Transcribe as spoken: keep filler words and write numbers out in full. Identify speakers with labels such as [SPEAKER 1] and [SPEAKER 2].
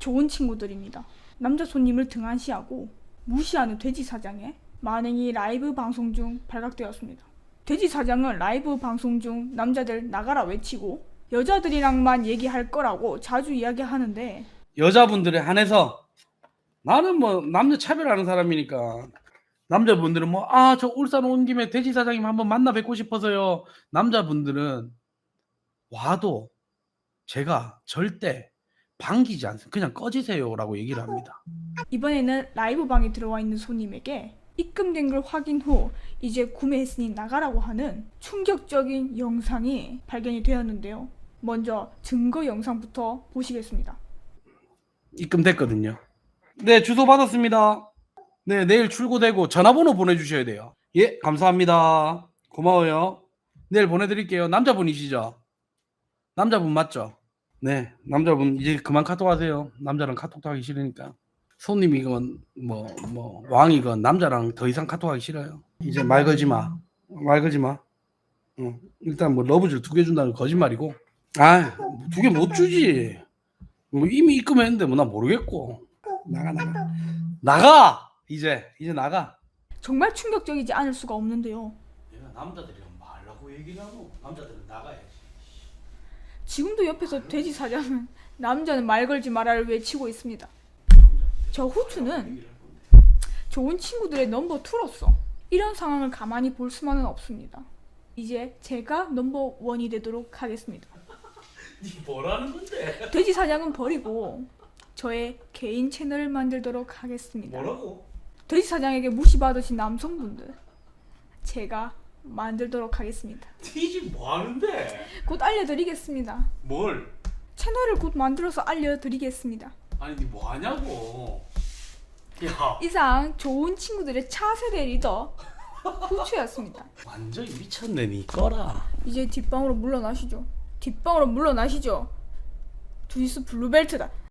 [SPEAKER 1] 좋은 친구들입니다. 남자 손님을 등한시하고 무시하는 돼지 사장의 만행이 라이브 방송 중 발각되었습니다. 돼지 사장은 라이브 방송 중 남자들 나가라 외치고 여자들이랑만 얘기할 거라고 자주 이야기하는데,
[SPEAKER 2] 여자분들에 한해서 나는 뭐 남녀 차별하는 사람이니까 남자분들은 뭐 아 저 울산 온 김에 돼지 사장님 한번 만나 뵙고 싶어서요. 남자분들은 와도 제가 절대 반기지 않습니다. 그냥 꺼지세요라고 얘기를 합니다.
[SPEAKER 1] 이번에는 라이브 방에 들어와 있는 손님에게 입금된 걸 확인 후 이제 구매했으니 나가라고 하는 충격적인 영상이 발견이 되었는데요. 먼저 증거 영상부터 보시겠습니다.
[SPEAKER 2] 입금됐거든요. 네, 주소 받았습니다. 네, 내일 출고되고 전화번호 보내주셔야 돼요. 예, 감사합니다. 고마워요. 내일 보내드릴게요. 남자분이시죠? 남자분 맞죠? 네, 남자분 이제 그만 카톡하세요. 남자랑 카톡도 하기 싫으니까. 손님이건 뭐 뭐 왕이건 남자랑 더 이상 카톡하기 싫어요. 이제 말 걸지 마. 말 걸지 마. 응. 일단 뭐 러브줄 두 개 준다는 거 거짓말이고. 아, 두 개 못 주지. 뭐 이미 입금했는데 뭐 나 모르겠고. 나가 나가. 나가. 이제 이제 나가.
[SPEAKER 1] 정말 충격적이지 않을 수가 없는데요.
[SPEAKER 2] 내가 남자들이랑 말라고 얘기를 하고 남자들은 나가야지.
[SPEAKER 1] 지금도 옆에서 돼지 사장은 남자는 말 걸지 마라를 외치고 있습니다. 저 후추는 좋은 친구들의 넘버 투로서 이런 상황을 가만히 볼 수만은 없습니다. 이제 제가 넘버 원이 되도록 하겠습니다.
[SPEAKER 2] 니 뭐라는 건데?
[SPEAKER 1] 돼지 사냥은 버리고 저의 개인 채널을 만들도록 하겠습니다.
[SPEAKER 2] 뭐라고?
[SPEAKER 1] 돼지 사장에게 무시받으신 남성분들 제가 만들도록 하겠습니다.
[SPEAKER 2] 니지 뭐 하는데?
[SPEAKER 1] 곧 알려드리겠습니다.
[SPEAKER 2] 뭘?
[SPEAKER 1] 채널을 곧 만들어서 알려드리겠습니다.
[SPEAKER 2] 아니 니 뭐 하냐고. 야,
[SPEAKER 1] 이상 좋은 친구들의 차세대 리더 후추였습니다.
[SPEAKER 2] 완전히 미쳤네 니. 꺼라.
[SPEAKER 1] 이제 뒷방으로 물러나시죠. 뒷방으로 물러나시죠. 두니스 블루벨트다.